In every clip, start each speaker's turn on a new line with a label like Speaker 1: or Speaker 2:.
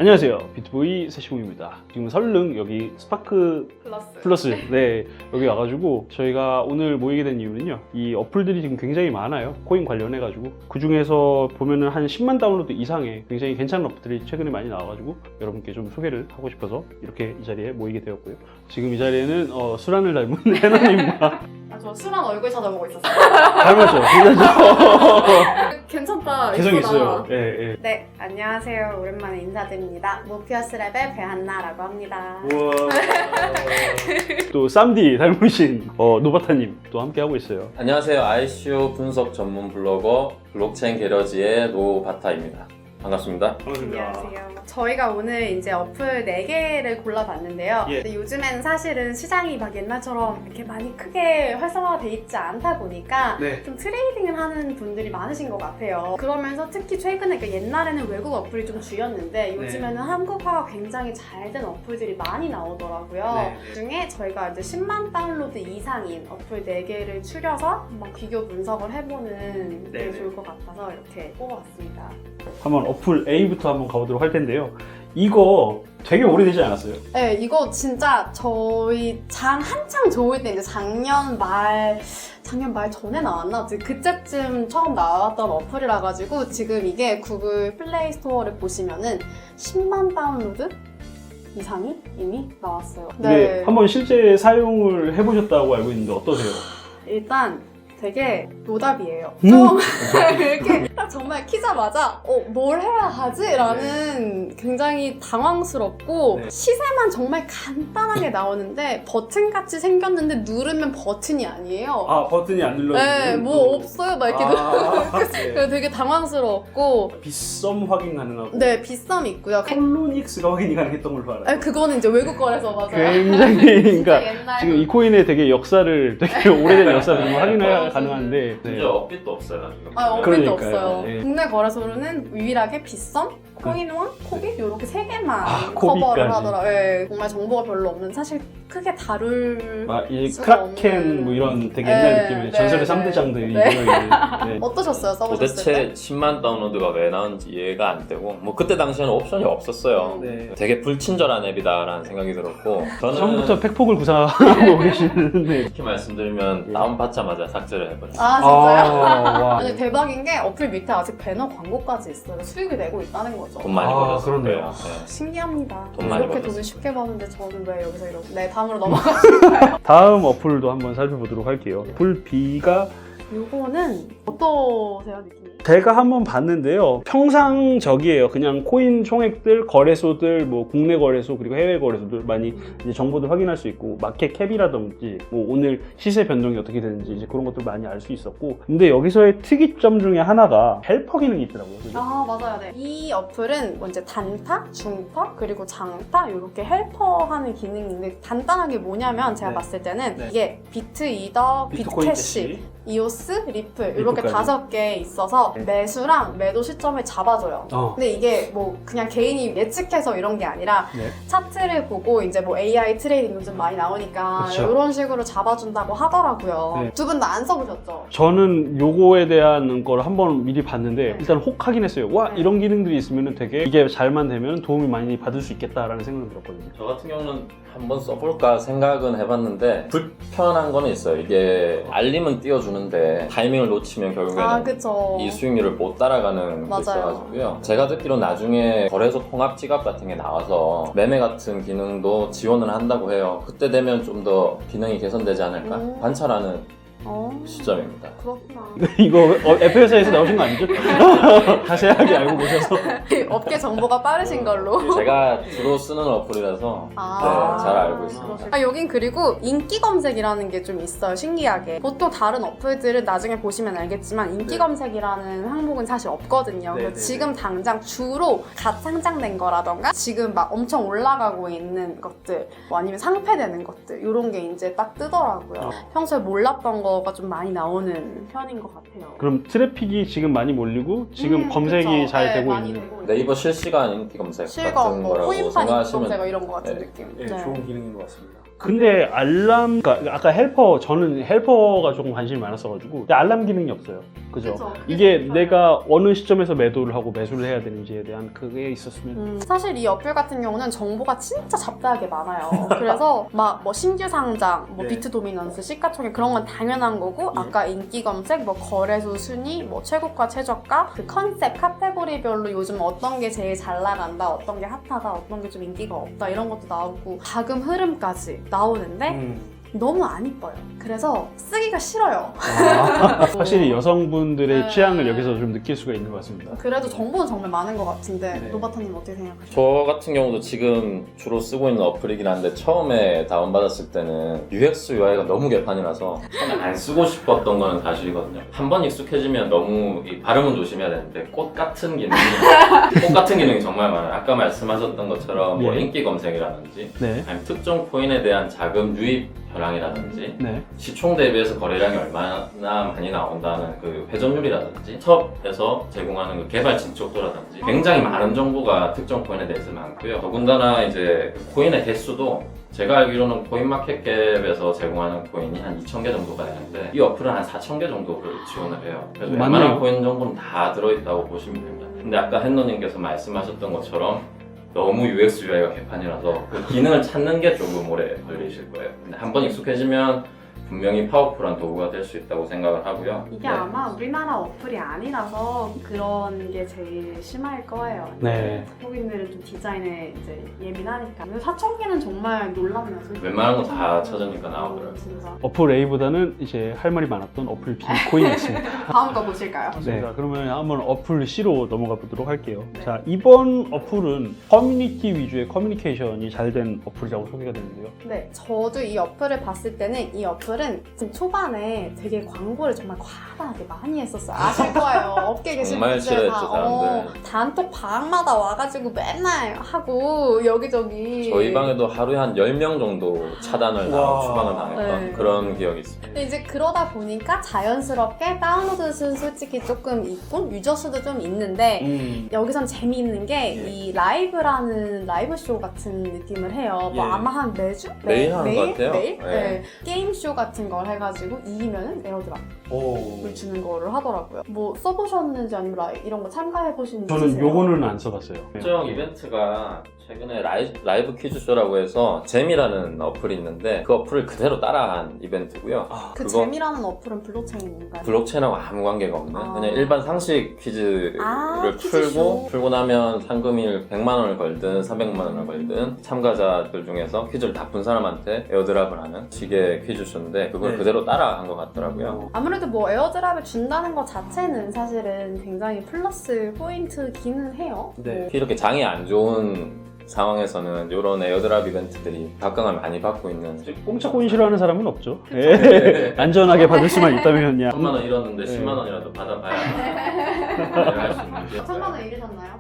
Speaker 1: 안녕하세요, 비트보이 세시공입니다. 지금 설릉 여기 스파크 플러스 네, 여기 와가지고 저희가 오늘 모이게 된 이유는요, 이 어플들이 지금 굉장히 많아요. 코인 관련해가지고 그 중에서 보면은 한 10만 다운로드 이상의 굉장히 괜찮은 어플들이 최근에 많이 나와가지고 여러분께 좀 소개를 하고 싶어서 이렇게 이 자리에 모이게 되었고요. 지금 이 자리에는 수란을 닮은 해나님과
Speaker 2: 저 수란 얼굴 찾아보고 있었어요.
Speaker 1: 닮았죠? 괜찮죠?
Speaker 2: 괜찮다.
Speaker 1: 개성
Speaker 2: 이쁘다.
Speaker 1: 있어요. 예, 예.
Speaker 2: 네, 안녕하세요. 오랜만에 인사드립니다. 모피어스 랩의 배한나라고 합니다.
Speaker 1: 우와. 또 쌈디 닮으신 노바타님 또 함께 하고 있어요.
Speaker 3: 안녕하세요. ICO 분석 전문 블로거 블록체인 게러지의 노바타입니다. 반갑습니다.
Speaker 2: 안녕하세요. 저희가 오늘 이제 어플 4개를 골라봤는데요.
Speaker 1: 예.
Speaker 2: 근데 요즘에는 사실은 시장이 막 옛날처럼 이렇게 많이 크게 활성화돼 있지 않다 보니까
Speaker 1: 네.
Speaker 2: 좀 트레이딩을 하는 분들이 많으신 것 같아요. 그러면서 특히 최근에, 그러니까 옛날에는 외국 어플이 좀 주였는데 요즘에는 한국화가 굉장히 잘 된 어플들이 많이 나오더라고요.
Speaker 1: 네.
Speaker 2: 그중에 저희가 이제 10만 다운로드 이상인 어플 4개를 추려서 한번 비교 분석을 해보는 게
Speaker 1: 네.
Speaker 2: 좋을 것 같아서 이렇게 뽑아봤습니다.
Speaker 1: 한번 어플 A부터 한번 가보도록 할 텐데요. 이거 되게 오래되지 않았어요?
Speaker 2: 네, 이거 진짜 저희 한창 좋을 때 이제 작년 말 전에 나왔나? 그때쯤 처음 나왔던 어플이라 가지고 지금 이게 구글 플레이 스토어를 보시면은 10만 다운로드 이상이 이미 나왔어요.
Speaker 1: 근데 한번 실제 사용을 해보셨다고 알고 있는데 어떠세요?
Speaker 2: 일단 되게 노답이에요. 좀 이렇게 딱 정말 키자마자 뭘 해야 하지? 라는 굉장히 당황스럽고
Speaker 1: 네.
Speaker 2: 시세만 정말 간단하게 나오는데 버튼같이 생겼는데 누르면 버튼이 아니에요.
Speaker 1: 아, 버튼이 안 눌러지는?
Speaker 2: 네, 뭐 없어요. 막 이렇게
Speaker 1: 네.
Speaker 2: 되게 당황스러웠고.
Speaker 1: 빗썸 확인 가능하고
Speaker 2: 네, 비썸 있고요.
Speaker 1: 콜로닉스가 확인이 가능했던 걸로 알아요.
Speaker 2: 그거는 이제 외국 거래서 맞아요.
Speaker 1: 굉장히 그러니까
Speaker 2: 진짜 옛날.
Speaker 1: 지금 이 코인의 되게 역사를 되게 오래된 역사를 좀 확인이 가능한데
Speaker 3: 심지어 업빗도 없어요. 지금.
Speaker 2: 업데이트
Speaker 1: 그러니까요.
Speaker 2: 없어요.
Speaker 1: 네.
Speaker 2: 국내 거래소로는 유일하게 빗썸, 코인원, 코빗 이렇게 3개만
Speaker 1: 코빗까지.
Speaker 2: 커버를 하더라고요. 네, 정말 정보가 별로 없는, 사실 크게 다룰
Speaker 1: 이
Speaker 2: 수가
Speaker 1: 크라켄
Speaker 2: 없는.
Speaker 1: 뭐 이런 되게
Speaker 2: 네,
Speaker 1: 옛날 느낌의
Speaker 2: 네,
Speaker 1: 전설의
Speaker 2: 네.
Speaker 1: 3대장들이
Speaker 2: 네. 어떠셨어요? 써보셨을
Speaker 3: 도대체
Speaker 2: 때?
Speaker 3: 10만 다운로드가 왜 나온지 이해가 안 되고 뭐 그때 당시에는 옵션이 없었어요.
Speaker 1: 네.
Speaker 3: 되게 불친절한 앱이다라는 생각이 들었고 저는
Speaker 1: 처음부터 팩폭을 구사하고 계시는데
Speaker 3: 이렇게 말씀드리면 다운받자마자 삭제를 해버렸어요.
Speaker 2: 아 진짜요?
Speaker 1: 와.
Speaker 2: 아니 대박인 게 어플 밑에 아직 배너 광고까지 있어요. 수익을 내고 있다는 거죠.
Speaker 3: 돈 많이 벌었을
Speaker 1: 그러네요.
Speaker 3: 거예요. 네.
Speaker 2: 신기합니다.
Speaker 3: 돈 많이
Speaker 2: 이렇게
Speaker 3: 벌었어요.
Speaker 2: 돈을 쉽게 버는데 저는 왜 여기서 이렇게. 네, 다음으로 넘어가실까요?
Speaker 1: 다음 어플도 한번 살펴보도록 할게요. 어플 B가
Speaker 2: 요거는 어떠세요, 느낌이?
Speaker 1: 제가 한번 봤는데요. 평상적이에요. 그냥 코인 총액들, 거래소들, 뭐 국내 거래소 그리고 해외 거래소들 많이 이제 정보들 확인할 수 있고 마켓 캡이라든지 뭐 오늘 시세 변동이 어떻게 되는지 이제 그런 것들 많이 알 수 있었고, 근데 여기서의 특이점 중에 하나가 헬퍼 기능이 있더라고요. 그죠?
Speaker 2: 아 맞아요. 네. 이 어플은 먼저 단타, 중타, 그리고 장타 이렇게 헬퍼하는 기능인데 간단하게 뭐냐면 제가
Speaker 1: 네.
Speaker 2: 봤을 때는
Speaker 1: 네.
Speaker 2: 이게 비트 이더,
Speaker 1: 비트코인
Speaker 2: 비트캐시, 이오스, 리플 이렇게
Speaker 1: 리플까지.
Speaker 2: 5개 있어서
Speaker 1: 네.
Speaker 2: 매수랑 매도 시점을 잡아줘요. 근데 이게 뭐 그냥 개인이 예측해서 이런 게 아니라
Speaker 1: 네.
Speaker 2: 차트를 보고 이제 뭐 AI 트레이딩 요즘 많이 나오니까
Speaker 1: 그쵸.
Speaker 2: 이런 식으로 잡아준다고 하더라고요.
Speaker 1: 네.
Speaker 2: 두 분 다 안 써보셨죠?
Speaker 1: 저는 요거에 대한 걸 한번 미리 봤는데 일단 혹 하긴 했어요. 와,
Speaker 2: 네.
Speaker 1: 이런 기능들이 있으면 되게 이게 잘만 되면 도움이 많이 받을 수 있겠다라는 생각이 들었거든요.
Speaker 3: 저 같은 경우는 한번 써볼까 생각은 해봤는데 불편한 거는 있어요. 이게 알림은 띄워주는데 타이밍을 놓치면 결국에는
Speaker 2: 그쵸.
Speaker 3: 이 수익률을 못 따라가는 게
Speaker 2: 맞아요.
Speaker 3: 있어가지고요. 제가 듣기로 나중에 거래소 통합 지갑 같은 게 나와서 매매 같은 기능도 지원을 한다고 해요. 그때 되면 좀 더 기능이 개선되지 않을까? 관찰하는 시점입니다.
Speaker 2: 그렇구나.
Speaker 1: 이거 FS에서 나오신 거 아니죠? 자세하게 알고 계셔서.
Speaker 2: 업계 정보가 빠르신 걸로.
Speaker 3: 제가 주로 쓰는 어플이라서 네, 잘 알고 있습니다.
Speaker 2: 여긴 그리고 인기 검색이라는 게 좀 있어요. 신기하게. 보통 다른 어플들은 나중에 보시면 알겠지만 인기
Speaker 1: 네.
Speaker 2: 검색이라는 항목은 사실 없거든요.
Speaker 1: 네,
Speaker 2: 그래서
Speaker 1: 네,
Speaker 2: 지금 당장 주로 갓 상장된 거라던가 지금 막 엄청 올라가고 있는 것들 뭐 아니면 상패되는 것들 이런 게 이제 딱 뜨더라고요. 평소에 몰랐던 거가 좀 많이 나오는 편인 것 같아요.
Speaker 1: 그럼 트래픽이 지금 많이 몰리고 지금 검색이
Speaker 2: 그쵸.
Speaker 1: 잘
Speaker 2: 네,
Speaker 1: 되고
Speaker 2: 많이
Speaker 1: 있는.
Speaker 2: 되고 있는.
Speaker 3: 네이버 실시간 인기 검색
Speaker 2: 실검,
Speaker 3: 같은
Speaker 2: 뭐
Speaker 3: 거라고
Speaker 2: 호인판 인기
Speaker 3: 생각하시면
Speaker 2: 검색 이런 거 같은
Speaker 3: 네.
Speaker 2: 느낌.
Speaker 1: 네, 좋은 기능인 것 같습니다. 근데 알람, 그러니까 아까 헬퍼, 저는 헬퍼가 조금 관심이 많았어가지고 근데 알람 기능이 없어요. 그죠?
Speaker 2: 그쵸.
Speaker 1: 이게
Speaker 2: 그쵸.
Speaker 1: 내가 어느 시점에서 매도를 하고 매수를 해야 되는지에 대한 그게 있었으면
Speaker 2: 사실 이 어플 같은 경우는 정보가 진짜 잡다하게 많아요. 그래서 막 뭐 신규 상장, 뭐
Speaker 1: 네.
Speaker 2: 비트 도미넌스, 시가총액 그런 건 당연한 거고
Speaker 1: 예.
Speaker 2: 아까 인기 검색, 뭐 거래소 순위, 뭐 최고가, 최저가, 그 컨셉, 카테고리별로 요즘 어떤 게 제일 잘 나간다, 어떤 게 핫하다, 어떤 게 좀 인기가 없다 이런 것도 나오고 자금 흐름까지 나오는데 너무 안 이뻐요. 그래서 쓰기가 싫어요.
Speaker 1: 확실히 여성분들의
Speaker 2: 네.
Speaker 1: 취향을 여기서 좀 느낄 수가 있는 것 같습니다.
Speaker 2: 그래도 정보는 정말 많은 것 같은데
Speaker 1: 네.
Speaker 2: 노바타님 어떻게 생각하세요?
Speaker 3: 저 같은 경우도 지금 주로 쓰고 있는 어플이긴 한데 처음에 다운받았을 때는 UX, UI가 너무 개판이라서 처음에 안 쓰고 싶었던 거는 사실이거든요. 한 번 익숙해지면 너무 이 발음은 조심해야 되는데 꽃 같은 기능이 정말 많아요. 아까 말씀하셨던 것처럼 뭐
Speaker 1: 네.
Speaker 3: 인기 검색이라든지
Speaker 1: 네.
Speaker 3: 아니면 특정 코인에 대한 자금 유입 현황이라든지
Speaker 1: 네.
Speaker 3: 시총 대비해서 거래량이 얼마나 많이 나온다는 그 회전율이라든지 첩에서 제공하는 그 개발 진척도라든지 굉장히 많은 정보가 특정 코인에 대해서 많고요. 더군다나 이제 코인의 개수도 제가 알기로는 코인마켓캡에서 제공하는 코인이 한 2,000개 정도가 되는데 이 어플은 한 4,000개 정도를 지원을 해요. 그래서
Speaker 1: 맞네요.
Speaker 3: 웬만한 코인 정보는 다 들어있다고 보시면 됩니다. 근데 아까 헨너님께서 말씀하셨던 것처럼 너무 UX, UI가 개판이라서 그 기능을 찾는 게 조금 오래 걸리실 거예요. 근데 한번 익숙해지면 분명히 파워풀한 도구가 될 수 있다고 생각을 하고요.
Speaker 2: 이게
Speaker 3: 네.
Speaker 2: 아마 우리나라 어플이 아니라서 그런 게 제일 심할 거예요.
Speaker 1: 네.
Speaker 2: 한국인들은 좀 디자인에 이제 예민하니까. 근데 4,000개는 정말 놀랍네요.
Speaker 3: 웬만한 거 다 찾으니까 나오더라고요.
Speaker 2: 진짜.
Speaker 1: 어플 A보다는 이제 할 말이 많았던 어플 B 코인이었습니다.
Speaker 2: 다음 거 보실까요?
Speaker 1: 네. 자, 그러면 한번 어플 C로 넘어가 보도록 할게요. 자, 이번 어플은 커뮤니티 위주의 커뮤니케이션이 잘 된 어플이라고 소개가 되는데요.
Speaker 2: 네, 저도 이 어플을 봤을 때는 이 어플은 지금 초반에 되게 광고를 정말 과다하게 많이 했었어요. 아실 거예요. 업계 계신
Speaker 3: 정말
Speaker 2: 분들
Speaker 3: 싫어했죠,
Speaker 2: 다
Speaker 3: 사람들.
Speaker 2: 단톡 방마다 와가지고 맨날 하고 여기저기.
Speaker 3: 저희 방에도 하루에 한 10명 정도 차단을
Speaker 1: 와.
Speaker 3: 추방을 당했던
Speaker 2: 네.
Speaker 3: 그런 기억이 있습니다.
Speaker 2: 근데 이제 그러다 보니까 자연스럽게 다운로드 수는 솔직히 조금 있고 유저 수도 좀 있는데 여기선 재미있는 게 이 라이브라는 라이브 쇼 같은 느낌을 해요. 뭐
Speaker 1: 예.
Speaker 2: 아마 한 매주?
Speaker 3: 매일 하는 것 같아요.
Speaker 2: 매일?
Speaker 3: 네.
Speaker 2: 네. 게임 쇼 같은 걸 해가지고 이기면은 에어드랍을
Speaker 1: 오.
Speaker 2: 주는 거를 하더라고요. 뭐 써보셨는지 아니면 이런 거 참가해보시는지
Speaker 1: 저는
Speaker 2: 있으세요?
Speaker 1: 요거는 안 써봤어요. 네.
Speaker 3: 특정 이벤트가 최근에 라이브 퀴즈쇼라고 해서 재미라는 어플이 있는데 그 어플을 그대로 따라한 이벤트고요.
Speaker 2: 그
Speaker 3: 그거
Speaker 2: 재미라는 어플은 블록체인인가요?
Speaker 3: 블록체인하고 아무 관계가 없는
Speaker 2: 아.
Speaker 3: 그냥 일반 상식 퀴즈를
Speaker 2: 퀴즈쇼.
Speaker 3: 풀고 나면 상금을 100만 원을 걸든 300만 원을 걸든 참가자들 중에서 퀴즈를 다 푼 사람한테 에어드랍을 하는 식의 퀴즈쇼인데 그걸
Speaker 1: 네.
Speaker 3: 그대로 따라한 것 같더라고요.
Speaker 2: 아무래도 뭐 에어드랍을 준다는 것 자체는 사실은 굉장히 플러스 포인트기는 해요.
Speaker 1: 네.
Speaker 2: 뭐
Speaker 3: 특히 이렇게 장이 안 좋은 상황에서는 이런 에어드랍 이벤트들이 각광을 많이 받고 있는
Speaker 1: 공짜 코인 싫어하는 사람은 없죠. 예. 안전하게 받을 수만 있다면야.
Speaker 3: 1,000만 원 잃었는데
Speaker 1: 네.
Speaker 3: 10만 원이라도 받아봐야 할 수 있는 게
Speaker 2: 1,000만 원 잃으셨나요?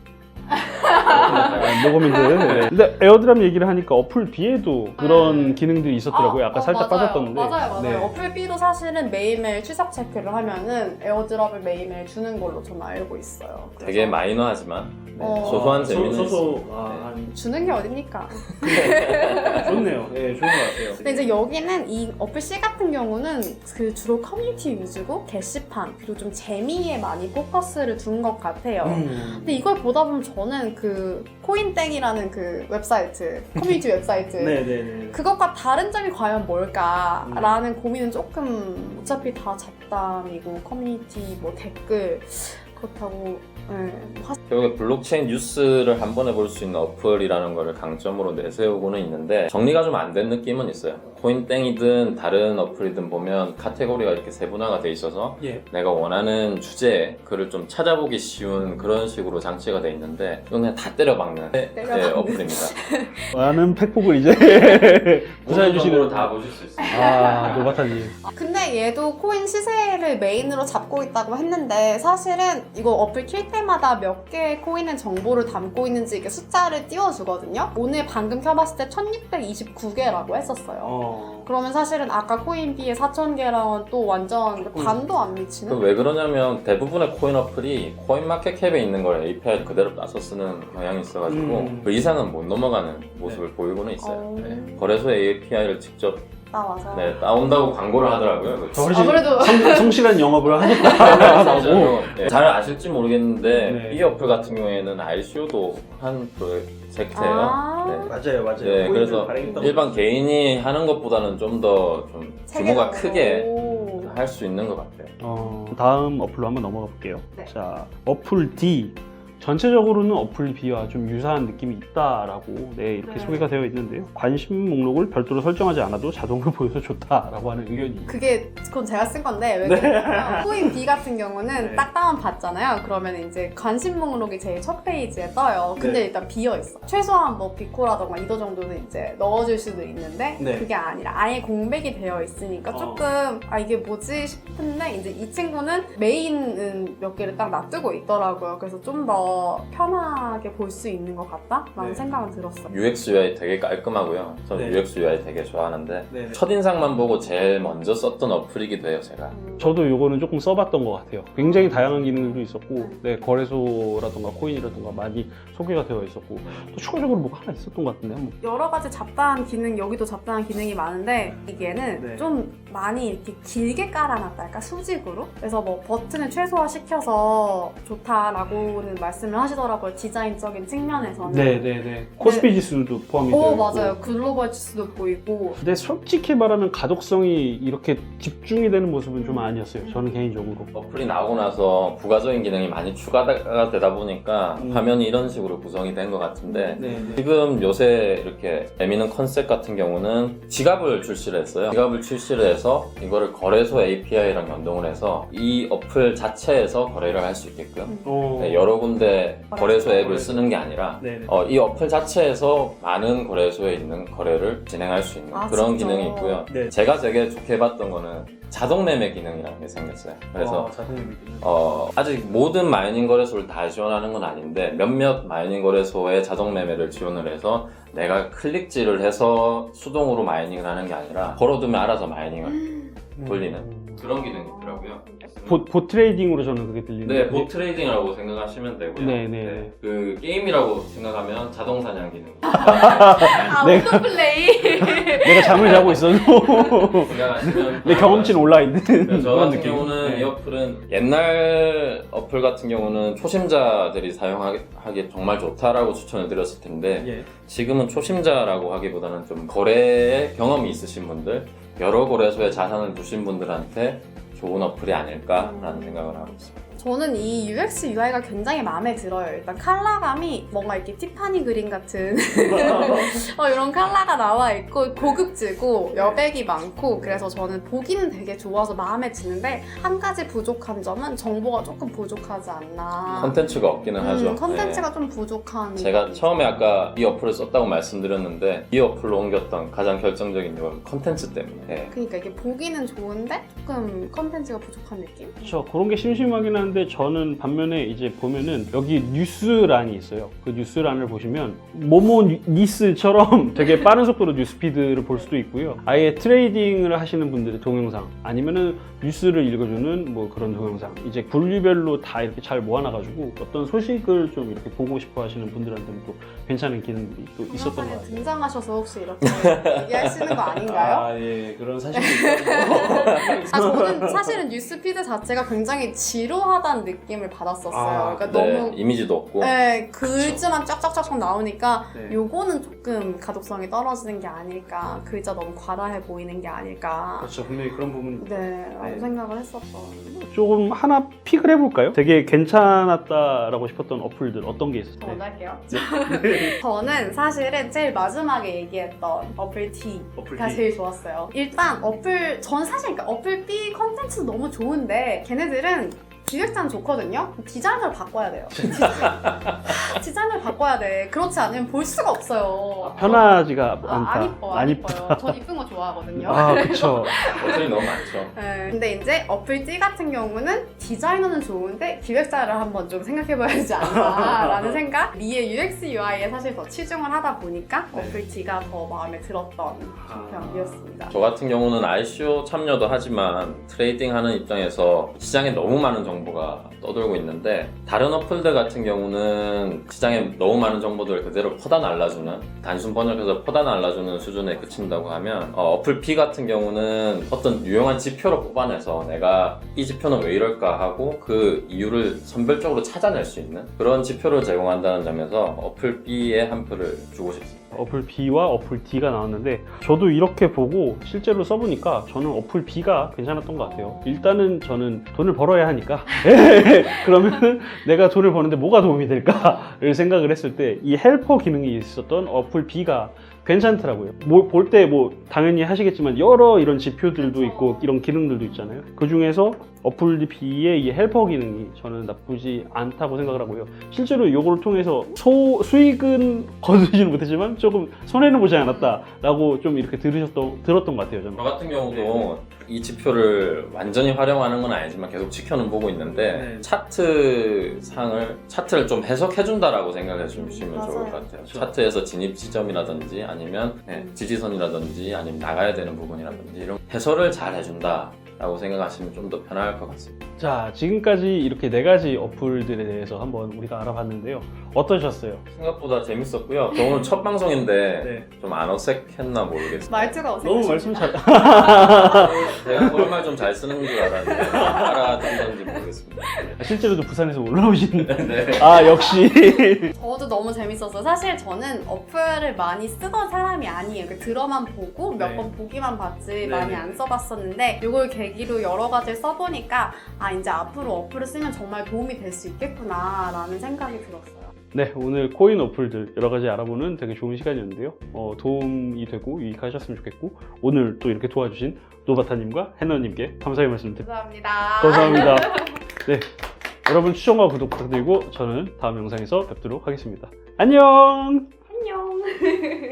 Speaker 1: 모범인들. 네. 근데 에어드랍 얘기를 하니까 어플 B에도 그런 기능들이 있었더라고요. 아까 살짝
Speaker 2: 맞아요.
Speaker 1: 빠졌던데.
Speaker 2: 맞아요.
Speaker 1: 네.
Speaker 2: 어플 B도 사실은 매일매일 추적 체크를 하면은 에어드랍을 매일매일 주는 걸로 저는 알고 있어요. 그래서
Speaker 3: 되게 마이너하지만 소소한 재미는 있습니다.
Speaker 2: 주는 게 어딥니까?
Speaker 1: 좋네요. 네, 좋은 것 같아요.
Speaker 2: 근데 이제 여기는 이 어플 C 같은 경우는 그 주로 커뮤니티 위주고 게시판 그리고 좀 재미에 많이 포커스를 둔 것 같아요. 근데 이걸 보다 보면 저는 그 코인땡이라는 그 웹사이트, 커뮤니티 웹사이트
Speaker 1: 네네네.
Speaker 2: 그것과 다른 점이 과연 뭘까라는 고민은 조금 어차피 다 잡담이고 커뮤니티 뭐 댓글 그렇다고
Speaker 3: 결국에 블록체인 뉴스를 한 번에 볼 수 있는 어플이라는 거를 강점으로 내세우고는 있는데 정리가 좀 안 된 느낌은 있어요. 코인땡이든 다른 어플이든 보면 카테고리가 이렇게 세분화가 돼 있어서
Speaker 1: 예.
Speaker 3: 내가 원하는 주제 글을 좀 찾아보기 쉬운 그런 식으로 장치가 돼 있는데 이건 그냥 다 때려박는 어플입니다.
Speaker 1: 많은 팩폭을 이제 구사해
Speaker 3: 모든 정보를
Speaker 1: 주시는
Speaker 3: 다 보실 수 있습니다.
Speaker 1: 아, 노바타님.
Speaker 2: 근데 얘도 코인 시세를 메인으로 잡고 있다고 했는데 사실은 이거 어플 킬 때마다 몇 개의 코인의 정보를 담고 있는지 이렇게 숫자를 띄워주거든요. 오늘 방금 켜봤을 때 1629개라고 했었어요. 그러면 사실은 아까 코인 B의 4,000개랑은 또 완전 반도 안 미치는?
Speaker 3: 왜 그러냐면 대부분의 코인 어플이 코인 마켓캡에 있는 걸 API 그대로 따서 쓰는 경향이 있어가지고 그 이상은 못 넘어가는 모습을 보이고는 있어요. 네. 거래소의 API를 직접
Speaker 2: 나와서.
Speaker 3: 네, 따온다고 광고를 하더라고요.
Speaker 2: 그래도
Speaker 1: 성실한 영업을 하겠다라고.
Speaker 3: 네, 잘 아실지 모르겠는데
Speaker 1: 네.
Speaker 3: 이 어플 같은 경우에는 ICO도 한 프로젝트예요. 네.
Speaker 1: 맞아요.
Speaker 3: 네, 그래서 일반 개인이 하는 것보다는 좀 더 좀 규모가 크게 할 수 있는 것 같아요.
Speaker 1: 다음 어플로 한번 넘어가 볼게요.
Speaker 2: 네.
Speaker 1: 자, 어플 D. 전체적으로는 어플 B와 좀 유사한 느낌이 있다라고 이렇게 소개가 되어 있는데요. 관심 목록을 별도로 설정하지 않아도 자동으로 보여서 좋다라고 하는 의견이.
Speaker 2: 그건 제가 쓴 건데 왜 그러냐면 코인 B 같은 경우는 딱 다운 받잖아요. 그러면 이제 관심 목록이 제일 첫 페이지에 떠요. 근데 일단 비어 있어. 최소한 뭐 비코라던가 이도 정도는 이제 넣어줄 수도 있는데 그게 아니라 아예 공백이 되어 있으니까 조금 이게 뭐지 싶은데 이제 이 친구는 메인은 몇 개를 딱 놔두고 있더라고요. 그래서 좀 더 편하게 볼 수 있는 것 같다라는 생각은 들었어요.
Speaker 3: UX UI 되게 깔끔하고요. 저는 UX UI 되게 좋아하는데 첫인상만 보고 제일 먼저 썼던 어플이기도 해요, 제가.
Speaker 1: 저도 요거는 조금 써봤던 것 같아요. 굉장히 다양한 기능들도 있었고 거래소라던가 코인이라던가 많이 소개가 되어 있었고 또 추가적으로 뭐가 하나 있었던 것 같은데 한번.
Speaker 2: 여러 가지 잡다한 기능, 여기도 잡다한 기능이 많은데 이게는 좀 많이 이렇게 길게 깔아놨다 할까? 수직으로? 그래서 뭐 버튼을 최소화시켜서 좋다라고는 말씀을 하시더라고요. 디자인적인 측면에서는.
Speaker 1: 네네네. 코스피 지수도 포함이 되어 있고.
Speaker 2: 맞아요. 글로벌 지수도 보이고.
Speaker 1: 근데 솔직히 말하면 가독성이 이렇게 집중이 되는 모습은 좀 아니었어요. 저는 개인적으로.
Speaker 3: 어플이 나오고 나서 부가적인 기능이 많이 추가가 되다 보니까 화면이 이런 식으로 구성이 된 것 같은데 지금 요새 이렇게 내미는 컨셉 같은 경우는 지갑을 출시를 했어요. 지갑을 출시를 해서 이거를 거래소 API랑 연동을 해서 이 어플 자체에서 거래를 할 수 있게끔 여러 군데 거래소 앱을 쓰는 게 아니라 이 어플 자체에서 많은 거래소에 있는 거래를 진행할 수 있는 그런
Speaker 2: 진짜?
Speaker 3: 기능이 있고요. 제가 되게 좋게 봤던 거는 자동 매매 기능이라는 게 생겼어요. 그래서 아직 모든 마이닝 거래소를 다 지원하는 건 아닌데 몇몇 마이닝 거래소에 자동 매매를 지원을 해서 내가 클릭질을 해서 수동으로 마이닝을 하는 게 아니라 걸어두면 알아서 마이닝을 돌리는 그런 기능이 있더라고요.
Speaker 1: 봇 트레이딩으로 저는 그게 들리는데.
Speaker 3: 네, 봇 트레이딩이라고 생각하시면 되고요.
Speaker 1: 네.
Speaker 3: 그 게임이라고 생각하면 자동 사냥 기능.
Speaker 2: 오토플레이.
Speaker 1: 내가 잠을 자고 있어도
Speaker 3: 생각하시면
Speaker 1: 내 경험치는 올라있는
Speaker 3: 저
Speaker 1: 그런
Speaker 3: 같은
Speaker 1: 느낌.
Speaker 3: 경우는 이 어플은 옛날 어플 같은 경우는 초심자들이 사용하기 정말 좋다라고 추천을 드렸을 텐데 지금은 초심자라고 하기보다는 좀 거래에 경험이 있으신 분들, 여러 거래소에 자산을 두신 분들한테 좋은 어플이 아닐까라는 생각을 하고 있습니다.
Speaker 2: 저는 이 UX UI가 굉장히 마음에 들어요. 일단 컬러감이 뭔가 이렇게 티파니 그린 같은 이런 컬러가 나와 있고 고급지고 여백이 많고 그래서 저는 보기는 되게 좋아서 마음에 드는데 한 가지 부족한 점은 정보가 조금 부족하지 않나.
Speaker 3: 컨텐츠가 없기는 하죠.
Speaker 2: 컨텐츠가 좀 부족한.
Speaker 3: 제가 처음에 아까 이 어플을 썼다고 말씀드렸는데 이 어플로 옮겼던 가장 결정적인 이유는 컨텐츠 때문에.
Speaker 2: 그러니까 이게 보기는 좋은데 조금 컨텐츠가 부족한 느낌?
Speaker 1: 그렇죠. 그런 게 심심하긴 한데 저는 반면에 이제 보면은 여기 뉴스란이 있어요. 그 뉴스란을 보시면 모모 니스처럼 되게 빠른 속도로 뉴스피드를 볼 수도 있고요. 아예 트레이딩을 하시는 분들의 동영상 아니면은 뉴스를 읽어주는 뭐 그런 동영상 이제 분류별로 다 이렇게 잘 모아놔가지고 어떤 소식을 좀 이렇게 보고 싶어 하시는 분들한테는 또 괜찮은 기능들이 또 있었던 것 같아요.
Speaker 2: 등장하셔서 혹시 이렇게 얘기하시는 거 아닌가요?
Speaker 1: 예, 그런 사실이 있어요.
Speaker 2: 저는 사실은 뉴스피드 자체가 굉장히 지루하다는 느낌을 받았었어요. 그러니까 너무
Speaker 3: 이미지도 없고.
Speaker 2: 네, 글자만 쫙쫙쫙 나오니까 요거는 조금 가독성이 떨어지는 게 아닐까. 글자 너무 과다해 보이는 게 아닐까.
Speaker 1: 그렇죠. 분명히 그런 부분.
Speaker 2: 라고 생각을 했었던.
Speaker 1: 조금 하나 픽을 해볼까요? 되게 괜찮았다라고 싶었던 어플들 어떤 게 있었어요?
Speaker 2: 저 먼저 할게요. 저는 사실은 제일 마지막에 얘기했던 어플 T가 제일 좋았어요. 일단 전 사실 그러니까 어플 B 컨텐츠 너무 좋은데 걔네들은 기획자는 좋거든요. 디자인을 바꿔야 돼요. 디자인을 바꿔야 돼. 그렇지 않으면 볼 수가 없어요.
Speaker 1: 편하지가 않다.
Speaker 2: 안 이뻐, 안 이뻐요. 전 이쁜 거 좋아하거든요.
Speaker 1: 아, 그쵸.
Speaker 3: 버튼이 너무 많죠.
Speaker 2: 네. 근데 이제 어플 C 같은 경우는 디자이너는 좋은데 기획자를 한번 좀 생각해봐야 되지 않나라는 생각? 미의 UX, UI에 사실 더 치중을 하다 보니까
Speaker 1: 네.
Speaker 2: 어플 C가 더 마음에 들었던 편이었습니다.
Speaker 3: 저 같은 경우는 ICO 참여도 하지만 트레이딩하는 입장에서 시장에 너무 많은 정보가 떠돌고 있는데 다른 어플들 같은 경우는 시장에 너무 많은 정보들을 그대로 퍼다 날라주는 단순 번역해서 퍼다 날라주는 수준에 그친다고 하면 어플 P 같은 경우는 어떤 유용한 지표로 뽑아내서 내가 이 지표는 왜 이럴까 하고 그 이유를 선별적으로 찾아낼 수 있는 그런 지표를 제공한다는 점에서 어플 B에 한 표를 주고 싶습니다.
Speaker 1: 어플 B와 어플 D가 나왔는데 저도 이렇게 보고 실제로 써보니까 저는 어플 B가 괜찮았던 것 같아요. 일단은 저는 돈을 벌어야 하니까 그러면 내가 돈을 버는데 뭐가 도움이 될까를 생각을 했을 때 이 헬퍼 기능이 있었던 어플 B가 괜찮더라고요. 볼 때 당연히 하시겠지만 여러 이런 지표들도 있고 이런 기능들도 있잖아요. 그 중에서 어플 B의 이 헬퍼 기능이 저는 나쁘지 않다고 생각을 하고요. 실제로 이걸 통해서 수익은 거두지는 못했지만 조금 손해는 보지 않았다라고 좀 이렇게 들었던 것 같아요. 저는.
Speaker 3: 저 같은 경우도 이 지표를 완전히 활용하는 건 아니지만 계속 지켜는 보고 있는데 차트를 좀 해석해준다라고 생각해 주시면 좋을 것 같아요. 차트에서 진입 지점이라든지 아니면 지지선이라든지 아니면 나가야 되는 부분이라든지 이런 해설을 잘 해준다 라고 생각하시면 좀 더 편할 것 같습니다.
Speaker 1: 자, 지금까지 이렇게 4가지 어플들에 대해서 한번 우리가 알아봤는데요. 어떠셨어요?
Speaker 3: 생각보다 재밌었고요. 저 오늘 첫 방송인데 좀 안 어색했나 모르겠어요.
Speaker 2: 말투가 어색해.
Speaker 1: 너무 말씀 잘...
Speaker 3: 제가 정말 좀 잘 쓰는 줄 알았는데 알아듣는지 모르겠습니다.
Speaker 1: 실제로도 부산에서 올라오시는데
Speaker 3: 네.
Speaker 1: 아, 역시
Speaker 2: 저도 너무 재밌었어요. 사실 저는 어플을 많이 쓰던 사람이 아니에요. 들어만 보고 몇 번 보기만 봤지 많이 안 써봤었는데 이걸 계기로 여러 가지를 써보니까 이제 앞으로 어플을 쓰면 정말 도움이 될 수 있겠구나 라는 생각이 들었어요.
Speaker 1: 네, 오늘 코인 어플들 여러 가지 알아보는 되게 좋은 시간이었는데요. 도움이 되고 유익하셨으면 좋겠고 오늘 또 이렇게 도와주신 노바타님과 해너님께 감사의 말씀 드립니다.
Speaker 2: 감사합니다.
Speaker 1: 감사합니다. 네, 여러분 추천과 구독 부탁드리고 저는 다음 영상에서 뵙도록 하겠습니다. 안녕!
Speaker 2: 안녕.